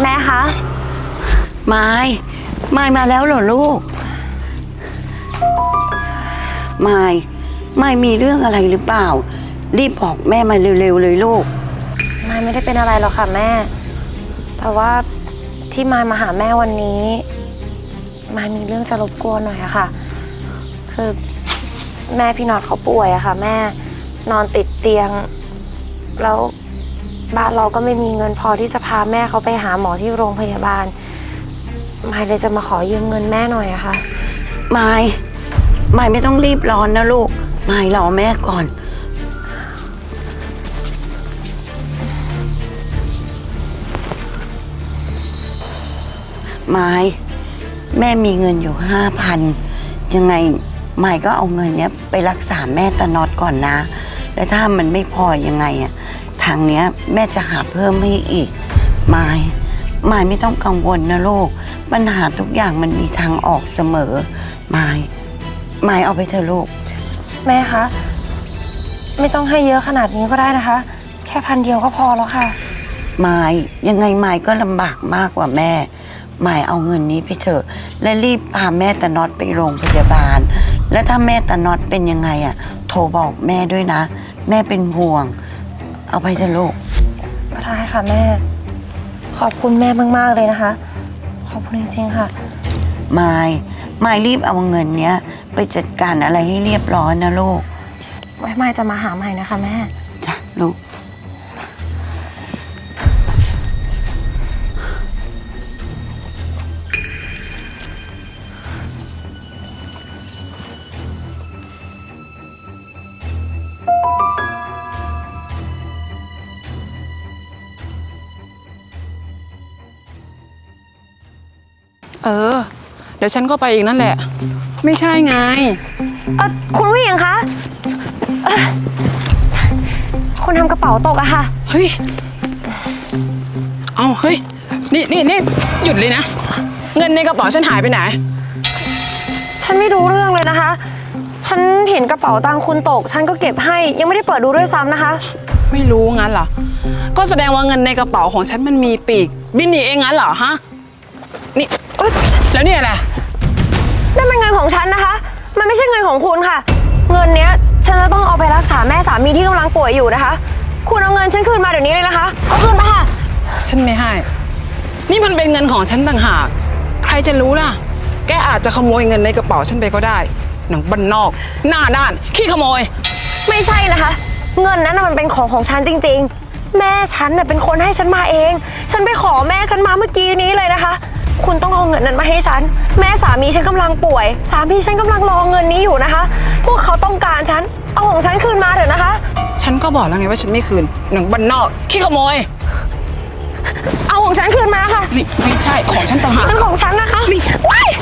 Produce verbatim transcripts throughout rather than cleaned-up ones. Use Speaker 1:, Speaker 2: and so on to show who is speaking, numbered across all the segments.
Speaker 1: แม่คะ
Speaker 2: ไม้ไม้มาแล้วเหรอลูกไม้ไม้มีเรื่องอะไรหรือเปล่ารีบบอกแม่มาเร็วๆเลยลูก
Speaker 1: มายไม่ได้เป็นอะไรหรอกค่ะแม่แต่ว่าที่มายมาหาแม่วันนี้มายมีเรื่องจะรบกวนหน่อยอะค่ะคือแม่พี่น็อตเขาป่วยอะค่ะแม่นอนติดเตียงแล้วบ้านเราก็ไม่มีเงินพอที่จะพาแม่เขาไปหาหมอที่โรงพยาบาลมายเลยจะมาขอยืมเงินแม่หน่อยอะค่ะ
Speaker 2: ไม้ไม้ไม่ต้องรีบร้อนนะลูกไม้รอแม่ก่อนไม้แม่มีเงินอยู่ห้าพันยังไงไม้ก็เอาเงินเนี้ยไปรักษาแม่ตาน็อตก่อนนะแล้วถ้ามันไม่พอยังไงอะทางเนี้ยแม่จะหาเพิ่มให้อีกไม้ไม้ไม่ต้องกังวลนะลูกปัญหาทุกอย่างมันมีทางออกเสมอไม้ไม้เอาไปเถอะลูก
Speaker 1: แม่คะไม่ต้องให้เยอะขนาดนี้ก็ได้นะคะแค่พันเดียวก็พอแล้วค่ะ
Speaker 2: ไม้ยังไงไม้ก็ลำบากมากกว่าแม่ไม้เอาเงินนี้ไปเถอะและรีบพาแม่ตาน็อตไปโรงพยาบาลและถ้าแม่ตาน็อตเป็นยังไงอ่ะโทรบอกแม่ด้วยนะแม่เป็นห่วงเอาไปเถอะลูก
Speaker 1: ก็ได้ค่ะแม่ขอบคุณแม่มากๆเลยนะคะขอบคุณจริงๆค่ะ
Speaker 2: ไม้ไม้รีบเอาเงินเนี้ยไปจัดการอะไรให้เรียบร้อยนะลูก
Speaker 1: ไว้ไม้จะมาหาใหม่นะคะแม่
Speaker 2: จ้ะลูก
Speaker 3: เออเดี๋ยวฉันก็ไปอีกนั่นแหละไม่ใช่ไง
Speaker 1: เออคุณผู้หญิงคะเออคุณทำกระเป๋าตกอะค่ะ
Speaker 3: เฮ้ยเอาเฮ้ยนี่นี่นี่หยุดเลยนะเงินในกระเป๋าฉันหายไปไหน
Speaker 1: ฉันไม่รู้เรื่องเลยนะคะฉันเห็นกระเป๋าตังค์คุณตกฉันก็เก็บให้ยังไม่ได้เปิดดูด้วยซ้ำนะคะ
Speaker 3: ไม่รู้งั้นเหรอก็แสดงว่าเงินในกระเป๋าของฉันมันมีปีกบินหนีเองงั้นเหรอฮะนี่แล้วนี่อะไร
Speaker 1: นั่นมันเงินของฉันนะคะมันไม่ใช่เงินของคุณค่ะเงินเนี้ยฉันจะต้องเอาไปรักษาแม่สามีที่กำลังป่วยอยู่นะคะคุณเอาเงินฉันคืนมาเดี๋ยวนี้เลยนะคะเอาคืนมาค่ะ
Speaker 3: ฉันไม่ให้นี่มันเป็นเงินของฉันต่างหากใครจะรู้ล่ะแกอาจจะขโมยเงินในกระเป๋าฉันไปก็ได้หนังบ้านนอกหน้าด้านขี้ขโมย
Speaker 1: ไม่ใช่นะคะเงินนั้นมันเป็นของของฉันจริงๆแม่ฉันน่ะเป็นคนให้ฉันมาเองฉันไปขอแม่ฉันมาเมื่อกี้นี้เลยนะคะคุณต้องเอาเงินนั้นมาให้ฉันแม่สามีฉันกำลังป่วยสามีฉันกำลังรอเงินนี้อยู่นะคะพวกเขาต้องการฉันเอาของฉันคืนมาเถอะนะคะ
Speaker 3: ฉันก็บอกแล้วไงว่าฉันไม่คืนหนังบ้านนอกขี้ขโมย
Speaker 1: เอาของฉันคืนมาค่ะ
Speaker 3: นี่ไม่ใช่ของฉันต่างหาก
Speaker 1: เป็นของฉันนะคะ
Speaker 3: นี่
Speaker 1: ว้าย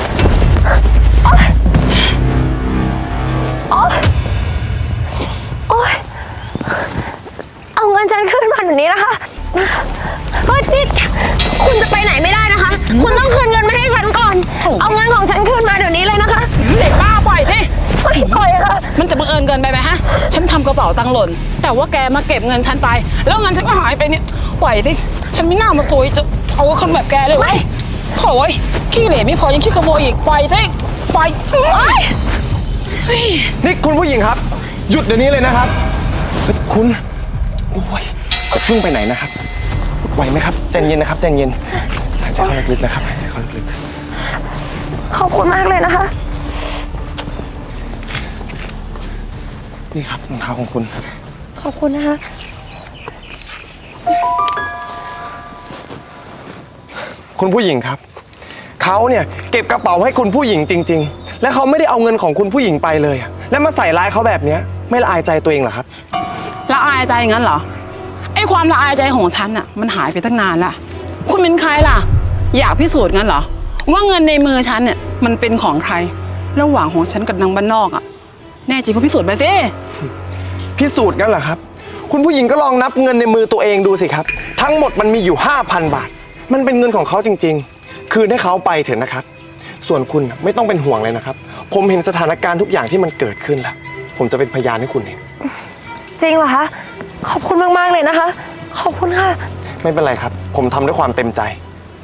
Speaker 1: โอ๊ยโอ๊ยเอาเงินฉันคืนมาแบบนี้นะคะเฮ้ยนี่คุณจะไปไหนไม่ได้นะคะคุณต้องคืนเงินมาให้ฉันก่อนเอาเงินของฉันคืนมาเดี๋ยวนี้เลยนะคะ
Speaker 3: เด็กบ้าปล่อยสิ
Speaker 1: ไม่ปล่อยค่ะ
Speaker 3: มันจะบังเอิญเกินไปไหมฮะฉันทำกระเป๋าตังค์หล่นแต่ว่าแกมาเก็บเงินฉันไปแล้วเงินฉันก็หายไปเนี่ยปล่อยสิฉันไม่น่ามาซวยจะเอาคนแบบแกเลย
Speaker 1: ไม่
Speaker 3: โอ้ยขี้เหร่ไม่พอยังขี้ขโมยอีกปล่อยสิปล่อย
Speaker 4: นี่คุณผู้หญิงครับหยุดเดี๋ยวนี้เลยนะครับคุณโอ้ยจะพึ่งไปไหนนะครับไหวไหมครับใจเย็นนะครับใจเย็นหายใจเข้าลึกๆนะครับหายใจเข้าลึก
Speaker 1: ๆขอบคุณมากเลยนะคะ
Speaker 4: นี่ครับรองเท้าของคุณ
Speaker 1: ขอบคุณนะคะ
Speaker 4: คุณผู้หญิงครับเขาเนี่ยเก็บกระเป๋าให้คุณผู้หญิงจริงๆและเขาไม่ได้เอาเงินของคุณผู้หญิงไปเลยแล้วมาใส่ร้ายเขาแบบนี้ไม่ละอายใจตัวเองเหรอครับ
Speaker 3: ละอายใจงั้นเหรอไอ้ความละอายใจของฉันอ่ะมันหายไปตั้งนานละคุณเป็นใครล่ะอยากพิสูจน์งั้นเหรอว่าเงินในมือฉันเนี่ยมันเป็นของใครระหว่างของฉันกับนางบ้านนอกอ่ะแน่จริงก็พิสูจน์ไปสิ
Speaker 4: พิสูจน์งั้นเหรอครับคุณผู้หญิงก็ลองนับเงินในมือตัวเองดูสิครับทั้งหมดมันมีอยู่ ห้าพัน บาทมันเป็นเงินของเขาจริงๆคืนให้เขาไปเถอะนะครับส่วนคุณไม่ต้องเป็นห่วงเลยนะครับผมเห็นสถานการณ์ทุกอย่างที่มันเกิดขึ้นแล้วผมจะเป็นพยานให้คุณเอง
Speaker 1: จริงเหรอคะขอบคุณมากๆเลยนะคะขอบคุณค่ะ
Speaker 4: ไม่เป็นไรครับผมทำด้วยความเต็มใจ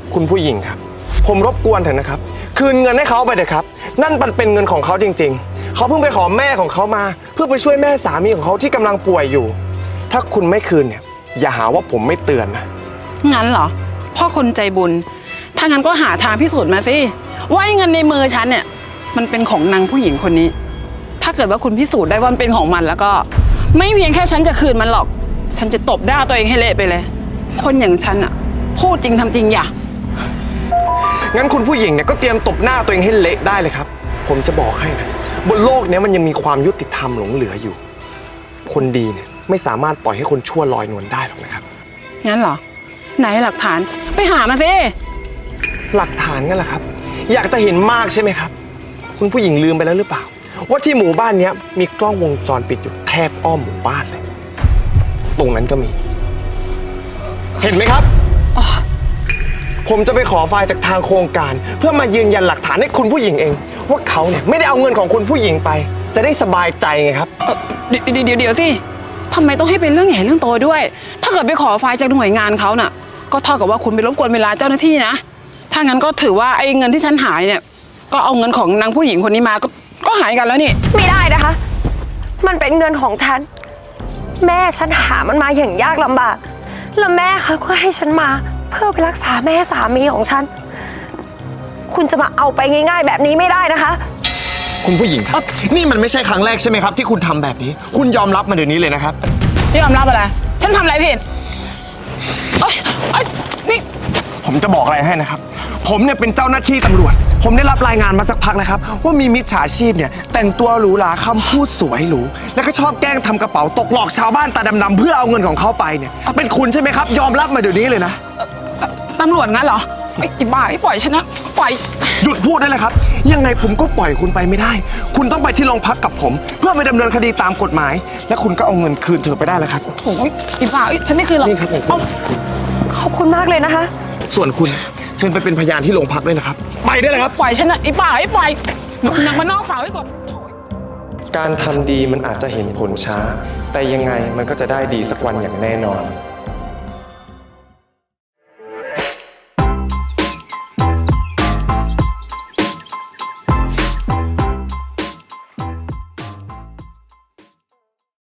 Speaker 4: คุณผู้หญิงครับ ผมรบกวนเถอะนะครับ คืนเงินให้เขาไปเถอะครับ นั่นมันเป็นเงินของเขาจริงๆ เขาเพิ่งไปขอแม่ของเขามา เพื่อไปช่วยแม่สามีของเขาที่กำลังป่วยอยู่ ถ้าคุณไม่คืนเนี่ยอย่าหาว่าผมไม่เตือนนะ
Speaker 3: งั้นเหรอพ่อคนใจบุญ ถ้างั้นก็หาทางพิสูจน์มาสิว่าไอ้เงินในมือฉันเนี่ยมันเป็นของนางผู้หญิงคนนี้ ถ้าเกิดว่าคุณพิสูจน์ได้ว่ามันเป็นของมันแล้วก็ ไม่เพียงแค่ฉันจะคืนมันหรอก ฉันจะตบหน้าตัวเองให้เละไปเลย คนอย่างฉันอะพูดจริงทำจริงอย่า
Speaker 4: งั้นคุณผู้หญิงเนี่ยก็เตรียมตบหน้าตัวเองให้เละได้เลยครับ ผมจะบอกให้นะบนโลกนี้มันยังมีความยุติธรรมหลงเหลืออยู่ คนดีเนี่ยไม่สามารถปล่อยให้คนชั่วลอยนวลได้หรอกนะครับ
Speaker 3: งั้นเหรอ ไหนหลักฐานไปหามาสิ
Speaker 4: หลักฐานงั้นแหละครับ อยากจะเห็นมากใช่ไหมครับ คุณผู้หญิงลืมไปแล้วหรือเปล่า ว่าที่หมู่บ้านเนี้ยมีกล้องวงจรปิดอยู่แทบอ้อมหมู่บ้านเลย ตรงนั้นก็มี เห็นไหมครับ ผมจะไปขอไฟล์จากทางโครงการ เพื่อมายืนยันหลักฐานให้คุณผู้หญิงเอง ว่าเขาเนี่ยไม่ได้เอาเงินของคุณผู้หญิงไป จะได้สบายใจไงครับ
Speaker 3: เอ่อเดี๋ยวเดี๋ยวเดี๋ยวเดี๋ยวสิทำไมต้องให้เป็นเรื่องใหญ่เรื่องโตด้วย ถ้าเกิดไปขอไฟล์จากหน่วยงานเขาน่ะ ก็เท่ากับว่าคุณไปรบกวนเวลาเจ้าหน้าที่นะ ถ้างั้นก็ถือว่าไอ้เงินที่ฉันหายเนี่ย ก็เอาเงินของนางผู้หญิงคนนี้มา ก็ก็หายกันแล้วนี่
Speaker 1: ไม่ได้นะคะ มันเป็นเงินของฉัน แม่ฉันหามันมาอย่างยากลำบาก แล้วแม่เขาก็ให้ฉันมา เพื่อไปรักษาแม่สามีของฉัน คุณจะมาเอาไปง่ายๆแบบนี้ไม่ได้นะคะ
Speaker 4: คุณผู้หญิงครับ นี่มันไม่ใช่ครั้งแรกใช่ไหมครับที่คุณทำแบบนี้ คุณยอมรับมาเดี๋ยวนี้เลยนะครับ
Speaker 3: ยอมรับอะไร ฉันทำอะไรผิดเอ้ยเอ้ยนี่
Speaker 4: ผมจะบอกอะไรให้นะครับ ผมเนี่ยเป็นเจ้าหน้าที่ตำรวจ ผมได้รับรายงานมาสักพักนะครับ ว่ามีมิจฉาชีพเนี่ยแต่งตัวหรูหราคำพูดสวยหรูแล้วก็ชอบแกล้งทำกระเป๋าตกหลอกชาวบ้านตาดำๆเพื่อเอาเงินของเขาไปเนี่ยเป็นคุณใช่ไหมครับ ยอมรับมาเดี๋ยวนี้เลยนะ
Speaker 3: ตำรวจงั้นเหรอไอ้ไอ้บ้าไอ้ปล่อยฉันนะปล่อย
Speaker 4: หยุดพูดได้เลยครับ ยังไงผมก็ปล่อยคุณไปไม่ได้ คุณต้องไปที่โรงพักกับผม เพื่อไปดำเนินคดีตามกฎหมาย และคุณก็เอาเงินคืนเธอไปได้แล้วครับ
Speaker 3: โอ้ยไอ้บ้าเอ้ยฉันไม่คืนหรอก
Speaker 4: นี่ครับของคุณ
Speaker 3: เอา
Speaker 1: ขอบคุณมากเลยนะคะ
Speaker 4: ส่วนคุณเชิญไปเป็นพยานที่โรงพักด้วยนะครับ ไปได้เลยครับ
Speaker 3: ปล่อยฉันนะไอ้บ้าไอ้ปล่อยนางมานอกฝากไว้ก่อน
Speaker 4: การทำดีมันอาจจะเห็นผลช้า แต่ยังไงมันก็จะได้ดีสักวันอย่างแน่นอน